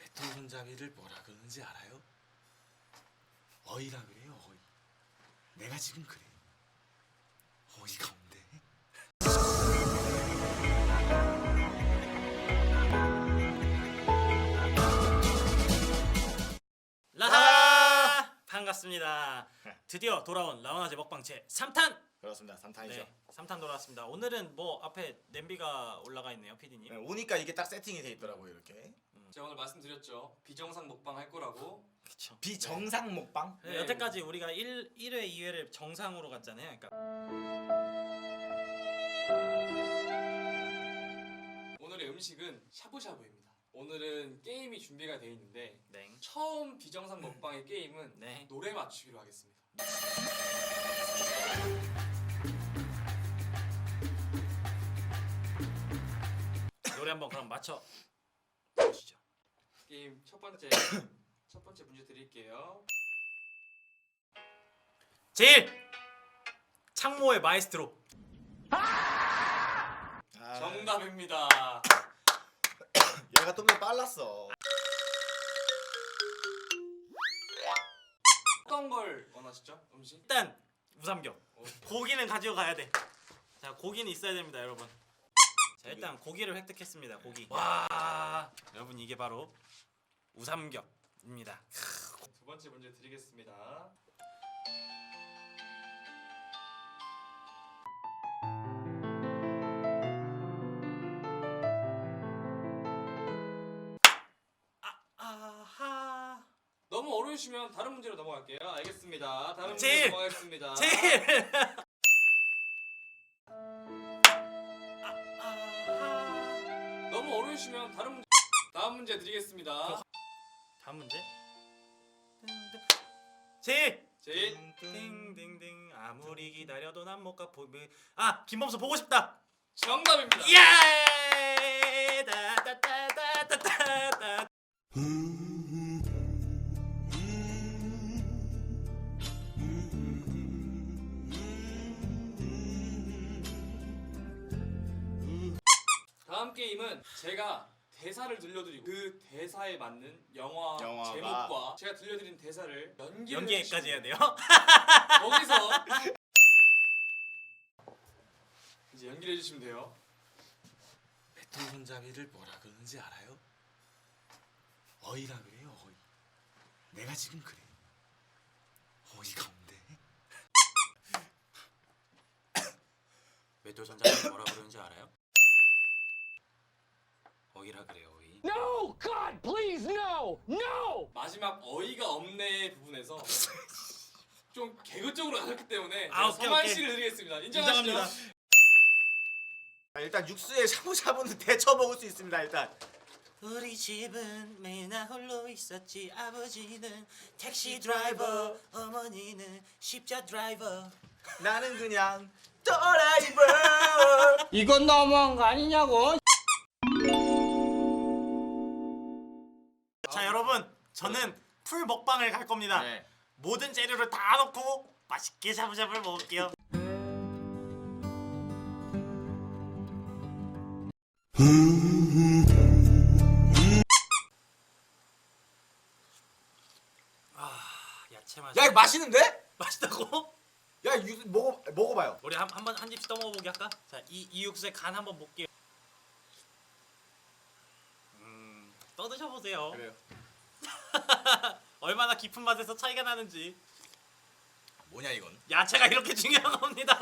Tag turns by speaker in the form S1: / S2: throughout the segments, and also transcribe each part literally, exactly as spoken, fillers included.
S1: 배통손잡이를 뭐라 그러는지 알아요? 어이라 그래요, 어이. 내가 지금 그래. 어이가 없네.
S2: 라하! 반갑습니다. 드디어 돌아온 라운아제 먹방 제 삼 탄!
S1: 그렇습니다. 삼 탄이죠.
S2: 네, 삼 탄 돌아왔습니다. 오늘은 뭐 앞에 냄비가 올라가 있네요, 피디님.
S1: 네, 오니까 이게 딱 세팅이 돼 있더라고요, 이렇게.
S3: 제가 오늘 말씀드렸죠. 비정상 먹방 할 거라고.
S2: 그쵸.
S1: 비정상 먹방?
S2: 네,
S3: 네.
S2: 여태까지 우리가 일, 일 회, 이 회를 정상으로 갔잖아요. 그러니까
S3: 오늘의 음식은 샤브샤브입니다. 오늘은 게임이 준비가 되어 있는데
S2: 네.
S3: 처음 비정상 먹방의 게임은
S2: 네.
S3: 노래 맞추기로 하겠습니다.
S2: 노래 한번 그럼 맞춰 보시죠.
S3: 게임 첫 번째 첫 번째 문제 드릴게요.
S2: 제일 창모의 마에스트로.
S1: 아,
S3: 정답입니다.
S1: 얘가 좀 더 빨랐어.
S3: 어떤 걸 원하시죠? 음식?
S2: 일단 우삼겹.
S3: 어.
S2: 고기는 가지고 가야 돼. 자, 고기는 있어야 됩니다, 여러분. 자, 일단 고기를 획득했습니다. 고기. 와, 여러분 이게 바로 우삼겹입니다.
S3: 두 번째 문제 드리겠습니다.
S2: 아하.
S3: 너무 어려우시면 다른 문제로 넘어갈게요. 알겠습니다. 다른 문제로
S2: 제일!
S3: 넘어가겠습니다.
S2: 제일. 아하.
S3: 너무 어려우시면 다른 문제. 다음 문제 드리겠습니다.
S2: 다음 문제. 제일.
S3: 제일
S2: 띵띵띵 아무리 기다려도 난 못 가. 보면 아 김범수 보고 싶다.
S3: 정답입니다.
S2: 예! 따따따따따따.
S3: 다음 게임은 제가 대사를 들려드리고 그 대사에 맞는 영화
S1: 영화가.
S3: 제목과 제가 들려드린 대사를 연기를
S2: 연기까지 해야 돼요?
S3: 거기서 이제 연기를 해주시면 돼요.
S1: 배통손잡이를 뭐라 그러는지 알아요? 어이라 그래요, 어이. 내가 지금 그래. 어이가 없네.
S2: 외도전자가 뭐라 그러는지 알아요? 어이라 그래요, 어이.
S4: No! God, please, no! No!
S3: 마지막 어이가 없네 부분에서 좀 개그적으로 가셨기 때문에
S2: 아,
S3: 제가
S2: 오케이,
S3: 서만
S2: 오케이.
S3: 씨를 드리겠습니다. 인정하시죠?
S2: 인정합니다.
S1: 아, 일단 육수에 샤브샤브는 데쳐 먹을 수 있습니다, 일단.
S2: 우리 집은 매일 나 홀로 있었지. 아버지는 택시 드라이버, 어머니는 십자 드라이버.
S1: 나는 그냥 드라이버.
S4: 이건 너무한 거 아니냐고?
S2: 자, 여러분, 저는 풀 먹방을 갈 겁니다.
S1: 네.
S2: 모든 재료를 다 넣고 맛있게 샤브샤브를 먹을게요. 아, 야채 맛.
S1: 야, 이거 맛있는데?
S2: 맛있다고?
S1: 야, 육 먹어 먹어봐요.
S2: 우리 한 한 번 한 입씩 떠먹어보기 할까? 자, 이, 이 육수의 간 한번 볼게요. 음, 떠드셔보세요.
S1: 그래요.
S2: 얼마나 깊은 맛에서 차이가 나는지.
S1: 뭐냐 이건?
S2: 야채가 이렇게 중요한 겁니다.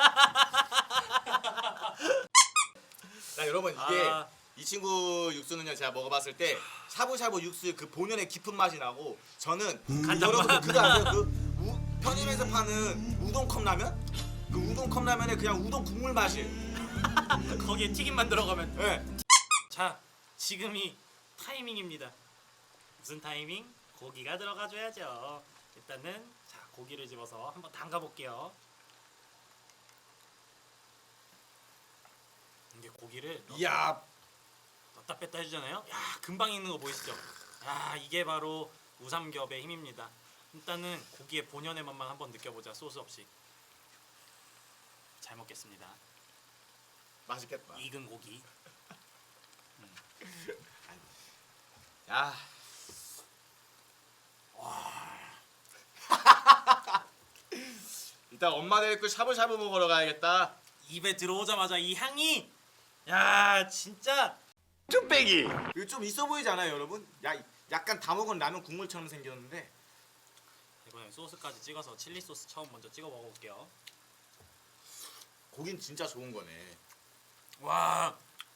S1: 자, 여러분 이게
S2: 아.
S1: 이 친구 육수는요 제가 먹어봤을 때 샤브샤브 육수 그 본연의 깊은 맛이 나고 저는
S2: 간장
S1: 여러분
S2: 맛.
S1: 그거 아세요? 그 우, 편의점에서 파는 우동 컵라면? 그 우동 컵라면에 그냥 우동 국물 맛이에요.
S2: 거기에 튀김만 들어가면.
S1: 예.
S2: 자, 지금이 타이밍입니다. 무슨 타이밍? 고기가 들어가줘야죠. 일단은 자 고기를 집어서 한번 담가 볼게요. 이게 고기를 넣-
S1: 이야.
S2: 넣다 뺐다 해주잖아요. 야 금방 익는 거 보이시죠? 야 이게 바로 우삼겹의 힘입니다. 일단은 고기의 본연의 맛만 한번 느껴보자. 소스 없이. 잘 먹겠습니다.
S1: 맛있겠다.
S2: 익은 고기.
S1: 야.
S5: 이따 엄마 데리고 샤브샤브 먹으러 가야겠다.
S2: 입에 들어오자마자 이 향이 야 진짜
S5: 쭈빼기.
S1: 이거 좀 있어 보이지 않아요, 여러분? 야, 약간 다 먹은 라면 국물처럼 생겼는데
S2: 이번엔 소스까지 찍어서 칠리 소스 처음 먼저 찍어 먹어볼게요.
S1: 고긴 진짜 좋은 거네.
S2: 와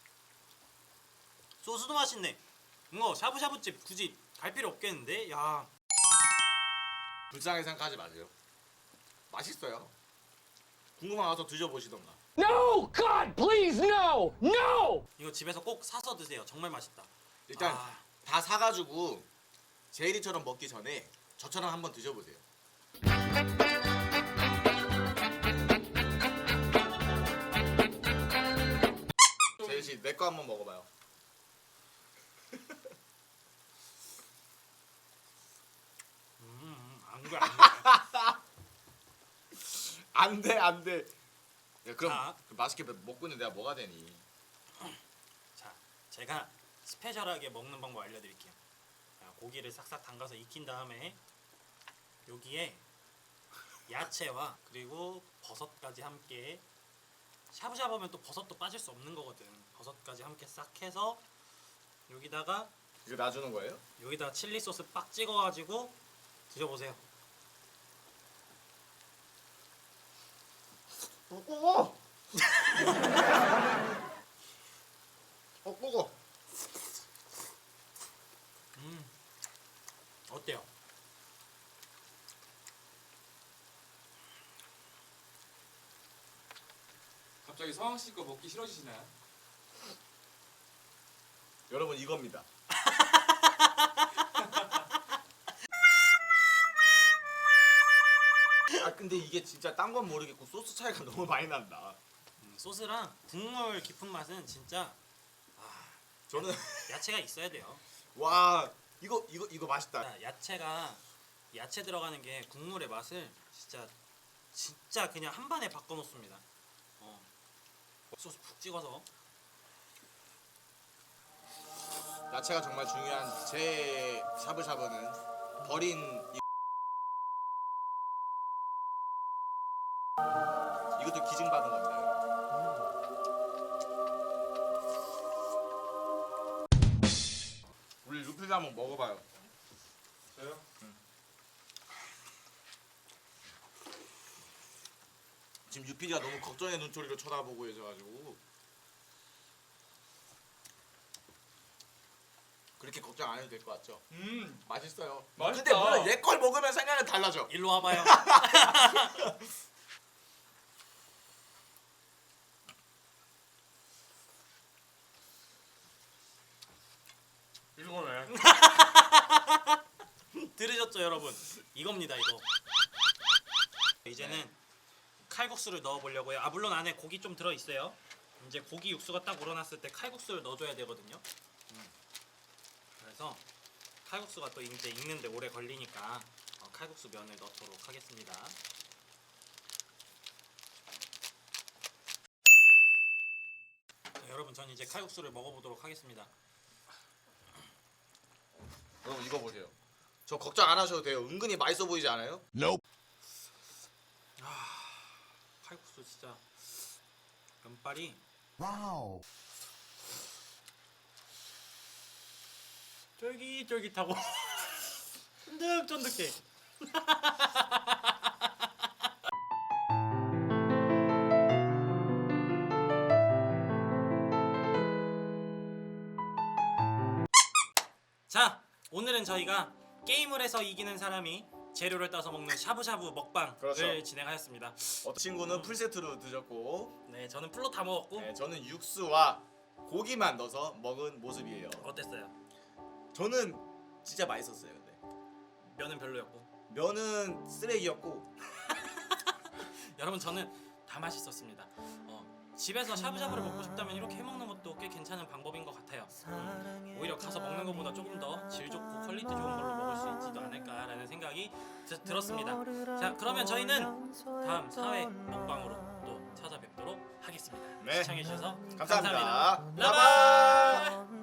S2: 소스도 맛있네. 이거 샤브샤브집 굳이 갈 필요 없겠는데? 야
S1: 불쌍하게 생각하지 마세요. 맛있어요. 궁금한 와서 드셔보시던가.
S4: No! God, please, no! No!
S2: 이거 집에서 꼭 사서 드세요. 정말 맛있다.
S1: 일단
S2: 아.
S1: 다 사가지고 제이리처럼 먹기 전에 저처럼 한번 드셔보세요. 제이 씨, 내 거 한번 먹어봐요.
S2: 음, 안 돼, 안 돼.
S1: 안 돼, 안 돼. 야, 그럼
S2: 자.
S1: 그 맛있게 먹고 있는 내가 뭐가 되니?
S2: 자, 제가 스페셜하게 먹는 방법 알려드릴게요. 자, 고기를 싹싹 담가서 익힌 다음에 여기에 야채와 그리고 버섯까지 함께 샤브샤브하면 또 버섯도 빠질 수 없는 거거든. 버섯까지 함께 싹 해서 여기다가
S1: 이거 놔주는 거예요?
S2: 여기다가 칠리 소스 빡 찍어가지고 드셔보세요.
S1: 어, 꼬고! 어, 꼬고!
S2: 음, 어때요?
S3: 갑자기 서왕 씨 거 먹기 싫어지시나요?
S1: 여러분, 이겁니다. 아, 근데 이게 진짜 딴 건 모르겠고 소스 차이가 너무 많이 난다.
S2: 음, 소스랑 국물 깊은 맛은 진짜
S1: 저는
S2: 야채가 있어야 돼요.
S1: 와, 이거 이거 이거 맛있다.
S2: 자, 야채가 야채 들어가는 게 국물의 맛을 진짜 진짜 그냥 한 번에 바꿔놓습니다. 어. 소스 푹 찍어서
S1: 야채가 정말 중요한 제 샤브샤브는 버린 이... 이것도 기증 받은 겁니다. 우리 루피도 한번 먹어봐요.
S3: 저요?
S1: 지금 유피디가 너무 걱정의 눈초리로 쳐다보고 계셔가지고 그렇게 걱정 안 해도 될 것 같죠?
S3: 음
S1: 맛있어요.
S3: 맛있다.
S1: 근데 물론 얘 걸 먹으면 생각은 달라져.
S2: 일로 와봐요.
S3: 이거네.
S2: 들으셨죠 여러분? 이겁니다 이거. 이제는 칼국수를 넣어보려고요. 아 물론 안에 고기 좀 들어있어요. 이제 고기 육수가 딱 우러났을 때 칼국수를 넣어줘야 되거든요. 음. 그래서 칼국수가 또 이제 익는데 오래 걸리니까 어, 칼국수 면을 넣도록 하겠습니다. 자, 여러분 전 이제 칼국수를 먹어보도록 하겠습니다.
S1: 여러분 이거 보세요. 저 걱정 안 하셔도 돼요. 은근히 맛있어 보이지 않아요?
S2: 칼국수 진짜 면발이
S6: Wow.
S2: 쫄깃쫄깃하고 쫀득쫀득해. 자, 오늘은 저희가 게임을 해서 이기는 사람이 재료를 따서 먹는 샤브샤브 먹방을
S1: 그렇죠.
S2: 진행하였습니다.
S1: 어떤 친구는 풀세트로 드셨고
S2: 네, 저는 풀로 다 먹었고
S1: 네, 저는 육수와 고기만 넣어서 먹은 모습이에요.
S2: 어땠어요?
S1: 저는 진짜 맛있었어요. 근데
S2: 면은 별로였고
S1: 면은 쓰레기였고
S2: 여러분 저는 다 맛있었습니다. 어, 집에서 샤브샤브를 먹고 싶다면 이렇게 해먹는 것도 꽤 괜찮은 방법인 것 같아요. 음, 오히려 가서 먹는 것보다 조금 더 질 좋고 퀄리티 좋은 걸로 먹을 수 있지도 않을까라는 생각이 드, 들었습니다. 자 그러면 저희는 다음 사 회 먹방으로 또 찾아뵙도록 하겠습니다.
S1: 네.
S2: 시청해주셔서
S1: 감사합니다.
S2: 감사합니다. 라바!